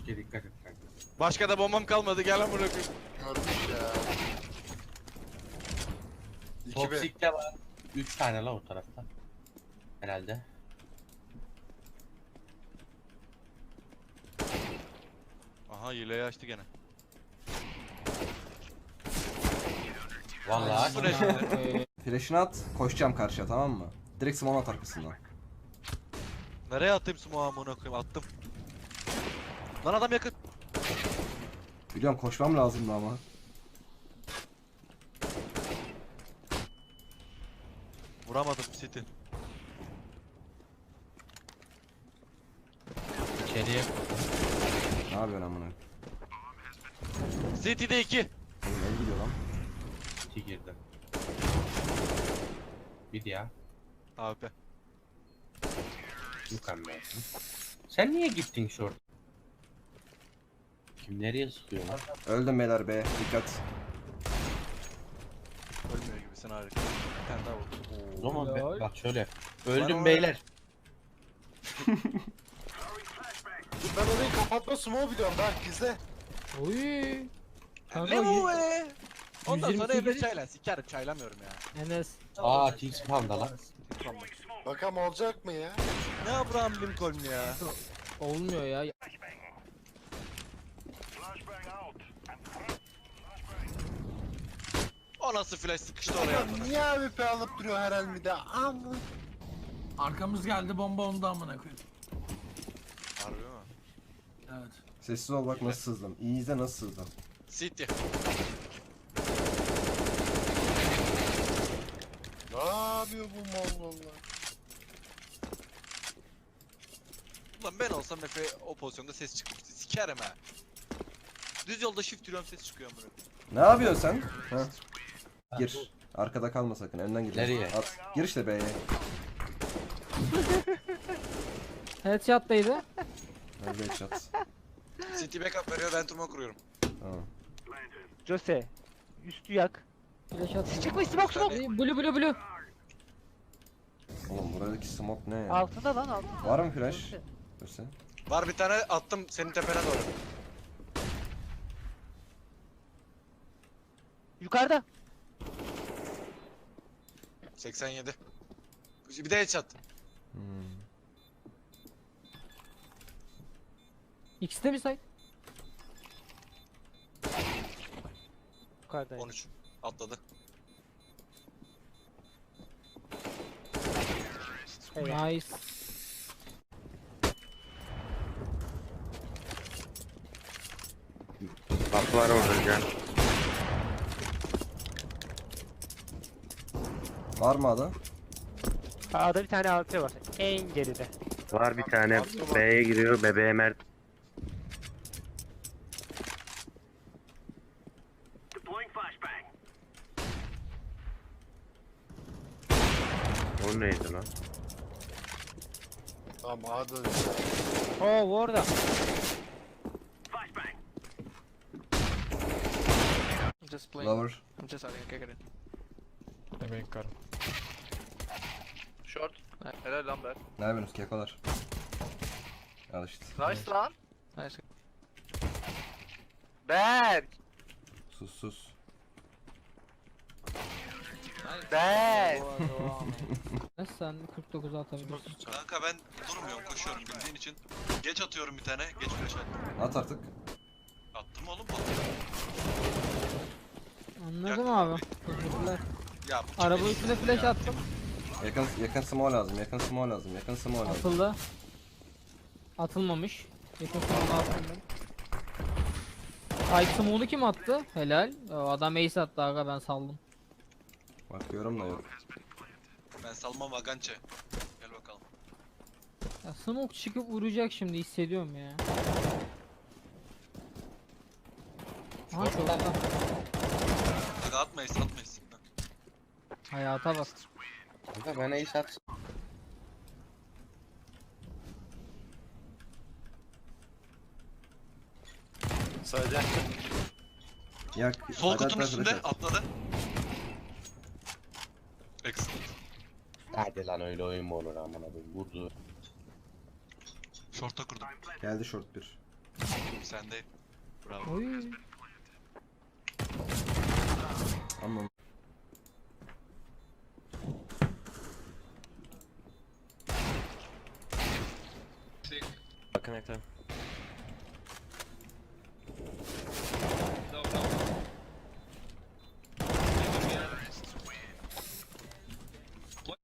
Okey dikkat et kanka. Başka da bombam kalmadı, gel lan bırakayım. Görmüş ya. 2B. Topsik'te var. 3 tane la o tarafta. Herhalde. Aha hileyi açtı gene. Vallahi. Bu ne şimdi? Flash'ını at, koşacağım karşıya, tamam mı? Direkt smoke at arkasından. Nereye atayım smoke'u amına koyayım, attım. Lan adam yakın. Biliyorum koşmam lazımdı ama. Vuramadım City. İçeriye. Ne yapıyorsun amına? City'de 2. Oğlum el gidiyor lan. 2 girdi. Bir ya. AWP. Mükemmel. Sen niye gittin short? Kim nereye sıkıyor lan? Öldüm beyler be, dikkat. Ölmüyor gibisin, harika. Bir tane daha vurdu. O zaman Helal. bak şöyle. Bana Öldüm var. beyler. Ben orayı kapatma smoke biliyorum bak izle. Oy. Kanka Ne bu be? Ondan sonra 128 Emre çaylan. Sikerim, çaylamıyorum ya. Enes. Aa T-spawn'da lan. Bakalım olacak mı ya? Ne Abraham Lincoln ya? Olmuyor ya. O nasıl flash sıkıştı oraya? Ya niye AWP alıp duruyor her el bir de? Amma. Arkamız geldi bomba ondu amına koyayım. Harbi mi? Evet. Sessiz ol bak nasıl sızdım. İyi izle nasıl sızdım. City. Ne yapıyor bu Mongollar? Ulan ben olsam Efe o pozisyonda ses çıkmıştı. Sikerim ha. Düz yolda shift yürüyorum, ses çıkıyor amına. Ne yapıyorsun sen? Ha? Gir. Arkada kalma sakın, önden gir. Nereye? At. Gir işte B'ye. Headshot'taydı. Nerede headshot? City backup veriyor, ben turma kuruyorum. Tamam. Jose. Üstü yak. Flash at. Çıkmış smoke smoke. Blue. Oğlum buradaki smoke ne ya? Altında lan altında. Var mı flash? Göster. Var bir tane, attım senin tepene doğru. Yukarıda. 87. Bir de headshot. Hmm. İkisi de bir site. Yukarıda. 13. Atladı. Evet. Nice. Bak var orada can. Var mı ada? A'da bir tane AWP var. En geride. Var bir tane B'ye giriyor. Bebeğe Mert. O neydi lan? Tamam A'da Oo bu orada. Just playing. Lower. I'm just having a kick at it. Demek karım. Short. Helal lan Berk. Ne yapıyorsunuz kekolar? Al işte. Nice lan. Nice. Berk. Sus. Berk. Enes sen 49 atabilirsin. Kanka ben durmuyorum, koşuyorum bildiğin için. Geç atıyorum bir tane, geç flash attım. At artık. Attım oğlum. Anladım Yakın abi. Teşekkürler. Ya Araba üstüne flash attım. Yakın smoke lazım. Yakın smoke lazım. Atıldı. Atılmamış. Yakın sonunda attım ben. Ay smoke'unu kim attı? Helal. O adam ace attı aga, ben saldım. Bakıyorum da yok. Ben Salman Vagançe. Gel bakalım. Ya smoke çıkıp vuracak şimdi, hissediyorum ya. Aha şurada. Aga atmayız. Hayata bak. Kanka bana ace at. sadece. Yak. Sol hadi kutunun at, üstünde flash at. atladı. Excellent. Hadi lan öyle oyun mu olur amına koyayım. Vurdu. Short'a kurdum. Geldi short bir. Sen de. Bravo. Oy. Ama Bakın ekran.